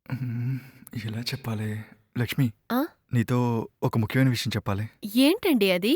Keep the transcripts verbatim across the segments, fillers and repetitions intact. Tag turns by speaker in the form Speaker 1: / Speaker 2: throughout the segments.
Speaker 1: హ్మ్. ఎలా చెప్పాలి? లక్ష్మి,
Speaker 2: ఆ?
Speaker 1: నీతో ఒక ముఖ్యమైన విషయం చెప్పాలి.
Speaker 2: ఏంటండి అది?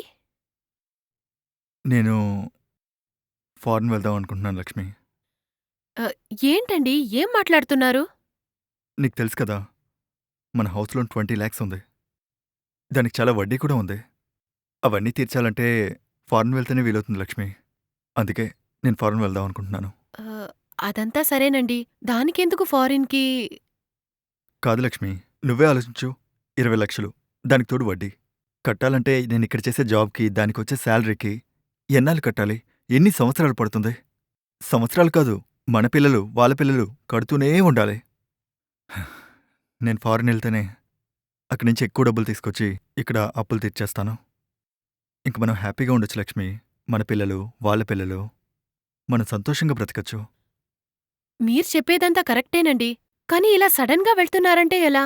Speaker 1: నేను ఫారెన్ వెళ్దాం అనుకుంటున్నాను లక్ష్మి.
Speaker 2: ఆహ్, ఏంటండి? ఏం మాట్లాడుతున్నారు?
Speaker 1: నీకు తెలుసు కదా! మన హౌస్ లోన్ ఇరవై లక్షలు ఉంది. దానికి చాలా వడ్డీ కూడా ఉంది. అవన్నీ తీర్చాలంటే ఫారెన్ వెళ్తేనే వీలవుతుంది లక్ష్మి. అందుకే నేను ఫారెన్ వెళ్దాం అనుకుంటున్నాను.
Speaker 2: ఆహ్, అదంతా సరేనండి. దానికెందుకు ఫారిన్‌కి?
Speaker 1: కాదు లక్ష్మి, నువ్వే ఆలోచించు. ఇరవై లక్షలు దానికి తోడు వడ్డీ. కట్టాలంటే నేనిక్కడ చేసే జాబ్‌కి, దానికొచ్చే శాలరీకి ఎన్నాళ్ళు కట్టాలి? ఎన్ని సంవత్సరాలు పడుతుంది? సంవత్సరాలు కాదు, మన పిల్లలు, వాళ్ళ పిల్లలు కడుతూనే ఉండాలి. నేను ఫారెన్ ఎళ్తేనే అక్కడి నుంచి ఎక్కువ డబ్బులు తీసుకొచ్చి ఇక్కడ అప్పులు తీర్చేస్తాను. ఇంక మనం హ్యాపీగా ఉండొచ్చు లక్ష్మి. మన పిల్లలు, వాళ్ళ పిల్లలు, మనం సంతోషంగా బ్రతకచ్చు.
Speaker 2: మీరు చెప్పేదంతా కరెక్టేనండి. కానీ ఇలా సడన్‌గా వెళ్తున్నారంటే ఎలా?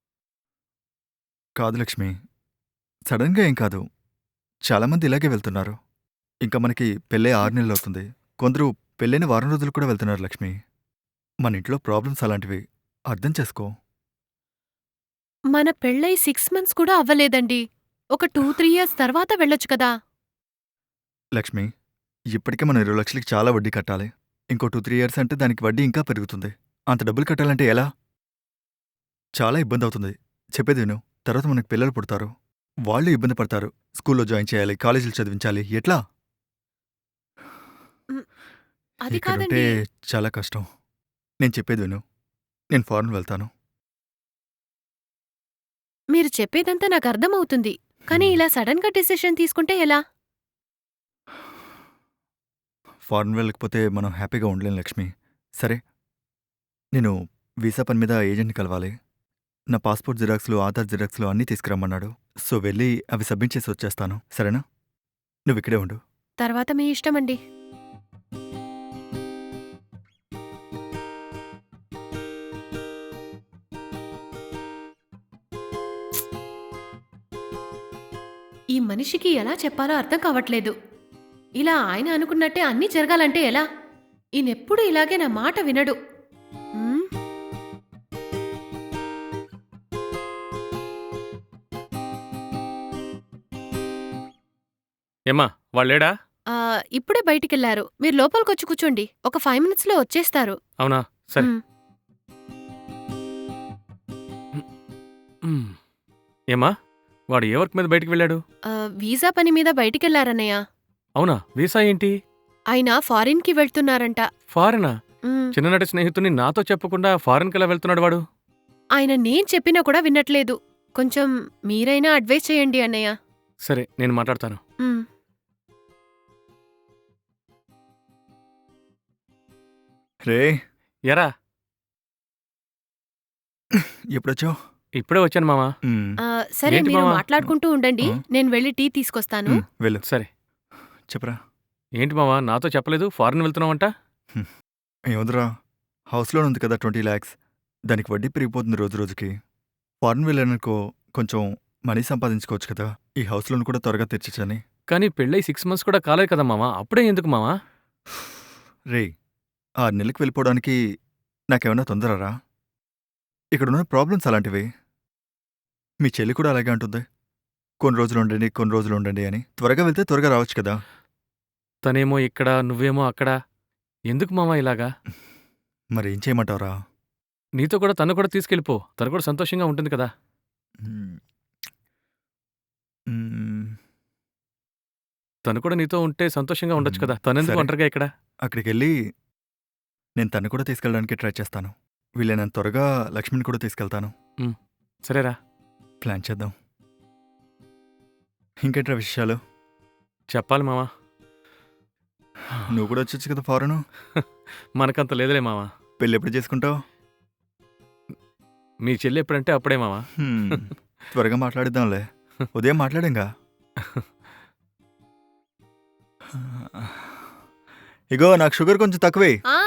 Speaker 1: కాదు లక్ష్మి, సడన్‌గా ఏం కాదు. చాలామంది ఇలాగే వెళ్తున్నారు. ఇంకా మనకి పెళ్ళై ఆరు నెలలవుతుంది. కొందరు పెళ్ళైన వారం రోజులు కూడా వెళ్తున్నారు లక్ష్మి. మన ఇంట్లో ప్రాబ్లమ్స్ అలాంటివి. అర్థం చేసుకో.
Speaker 2: మన పెళ్ళై ఆరు మంత్స్ కూడా అవ్వలేదండి. ఒక రెండు, మూడు ఇయర్స్ తర్వాత వెళ్ళొచ్చు కదా!
Speaker 1: లక్ష్మి, ఇప్పటికే మనం ఇరవై లక్షలకి చాలా వడ్డీ కట్టాలి. ఇంకో రెండు, మూడు ఇయర్స్ అంటే దానికి వడ్డీ ఇంకా పెరుగుతుంది. అంత డబ్బులు కట్టాలంటే ఎలా? చాలా ఇబ్బందవుతుంది. చెప్పేది విను. తర్వాత మనకు పిల్లలు పుడతారు. వాళ్ళు ఇబ్బంది పడతారు. స్కూల్లో జాయిన్ చేయాలి, కాలేజీలో చదివించాలి. ఎట్లా?
Speaker 2: హ్మ్. అది
Speaker 1: ఇక్కడుంటే
Speaker 2: కాదండి.
Speaker 1: చాలా కష్టం. నేను చెప్పేది విను. నేను ఫారెన్ వెళ్తాను.
Speaker 2: మీరు చెప్పేదంతా నాకర్థమవుతుంది. కానీ
Speaker 1: హ్మ్.
Speaker 2: ఇలా సడన్‌గా డెసిషన్ తీసుకుంటే ఎలా?
Speaker 1: ఫారెన్ వెళ్ళకపోతే మనం హ్యాపీగా ఉండలేం లక్ష్మి. సరే, నేను వీసా పని మీద ఏజెంట్‌ని కలవాలి. నా పాస్‌పోర్ట్ జిరాక్స్‌లు, ఆధార్ జిరాక్స్‌లు అన్నీ తీసుకురమ్మన్నాడు. సో, వెళ్ళి అవి సబ్మిట్ చేసి వచ్చేస్తాను. సరేనా? నువ్విక్కడే ఉండు.
Speaker 2: తర్వాత మీ ఇష్టమండి. ఈ మనిషికి ఎలా చెప్పాలో అర్థం కావట్లేదు. ఇలా ఆయన అనుకున్నట్టే అన్నీ జరగాలంటే ఎలా? ఈయనెప్పుడూ ఇలాగే నా మాట వినడు. హ్మ్.
Speaker 3: ఏమ్మా వాళ్ళేడా?
Speaker 2: ఆహ్, ఇప్పుడే బయటికెళ్లారు. మీరు లోపలికొచ్చి కూర్చోండి. ఒక ఐదు మినిట్స్‌లో వచ్చేస్తారు.
Speaker 3: అవునా? సరే.
Speaker 2: హ్మ్.
Speaker 3: హ్మ్. ఏమ్మా వాడు ఏ వర్క్ మీద బయటికి వెళ్ళాడు?
Speaker 2: ఆహ్, వీసా పని మీద బయటికెళ్లారన్నయ్య.
Speaker 3: అవునా? వీసా ఏంటి?
Speaker 2: ఆయన ఫారిన్‌కి వెళ్తున్నారంట.
Speaker 3: ఫారెనా?
Speaker 2: హ్మ్.
Speaker 3: చిన్ననాటి స్నేహితుడిని నాతో చెప్పకుండా ఫారెన్‌కెలా వెళ్తున్నాడు వాడు?
Speaker 2: ఆయన నేను చెప్పినా కూడా వినట్లేదు. కొంచెం మీరైనా అడ్వైస్ చేయండి అన్నయ్య.
Speaker 3: సరే నేను మాట్లాడతాను.
Speaker 2: హ్మ్.
Speaker 1: రేయ్!
Speaker 3: ఎరా
Speaker 1: ఎప్పుడొచ్చావు?
Speaker 3: ఇప్పుడే వచ్చాను మావా.
Speaker 1: హ్మ్.
Speaker 2: ఆహ్, సరే
Speaker 3: ఏంటి
Speaker 2: మీరు
Speaker 3: మావా?
Speaker 2: మాట్లాడుకుంటూ ఉండండి.
Speaker 1: ఆ!
Speaker 2: నేను వెళ్లి టీ తీసుకొస్తాను.
Speaker 1: హ్మ్. వెళ్ళు.
Speaker 3: సరే.
Speaker 1: చెప్పురా.
Speaker 3: ఏంటి మావా నాతో చెప్పలేదు ఫారెన్ వెళ్తున్నావంట?
Speaker 1: హ్మ్. ఏముందిరా, హౌస్ లోన్ ఉంది కదా ఇరవై లక్షలు. దానికి వడ్డీ పెరిగిపోతుంది రోజు రోజుకి. ఫారెన్ వెళ్ళాననుకో కొంచెం మనీ సంపాదించుకోవచ్చు కదా! ఈ హౌస్ లోన్ కూడా త్వరగా తీర్చొచ్చని.
Speaker 3: కానీ పెళ్ళై ఆరు మంత్స్ కూడా కాలేదు కదా మావా! అప్పుడే ఎందుకు మావా?
Speaker 1: రేయ్! ఆరు నెలలకి వెళ్ళిపోవడానికి నాకేమన్నా తొందరరా? ఇక్కడున్న ప్రాబ్లమ్స్ అలాంటివి. మీ చెల్లి కూడా అలాగే అంటుంది. కొన్ని రోజులుండండి, కొన్ని రోజులుండండి అని. త్వరగా వెళ్తే త్వరగా రావచ్చు కదా!
Speaker 3: తనేమో ఇక్కడ, నువ్వేమో అక్కడ. ఎందుకు మావా ఇలాగా?
Speaker 1: మరేం చేయమంటావురా?
Speaker 3: నీతో కూడా తను కూడా తీసుకెళ్ళిపో. తను కూడా సంతోషంగా ఉంటుంది కదా!
Speaker 1: హ్మ్. హ్మ్.
Speaker 3: తను కూడా నీతో ఉంటే సంతోషంగా ఉండొచ్చు
Speaker 1: హ్మ్.
Speaker 3: కదా! తనెందుకు
Speaker 1: సరే.
Speaker 3: ఒంటరిగా ఇక్కడ?
Speaker 1: అక్కడికెళ్ళి నేను తన్ని కూడా తీసుకెళ్ళడానికి ట్రై చేస్తాను. వీలైనంత త్వరగా లక్ష్మిని కూడా తీసుకెళ్తాను.
Speaker 3: హ్మ్. సరేరా.
Speaker 1: ప్లాన్ చేద్దాం. ఇంకేంట్రా విషయాలు?
Speaker 3: చెప్పాలి మావా.
Speaker 1: నువ్వు కూడా వచ్చొచ్చు కదా ఫారెను.
Speaker 3: మనకంత లేదులే మావా.
Speaker 1: పెళ్ళెప్పుడు చేసుకుంటావు?
Speaker 3: మీ చెల్లి ఎప్పుడంటే అప్పుడే మావా.
Speaker 1: హ్మ్. త్వరగా మాట్లాడిద్దాంలే. ఉదయం మాట్లాడాంగా. ఇగో నాకు షుగర్ కొంచెం తక్కువే.
Speaker 2: ఆ!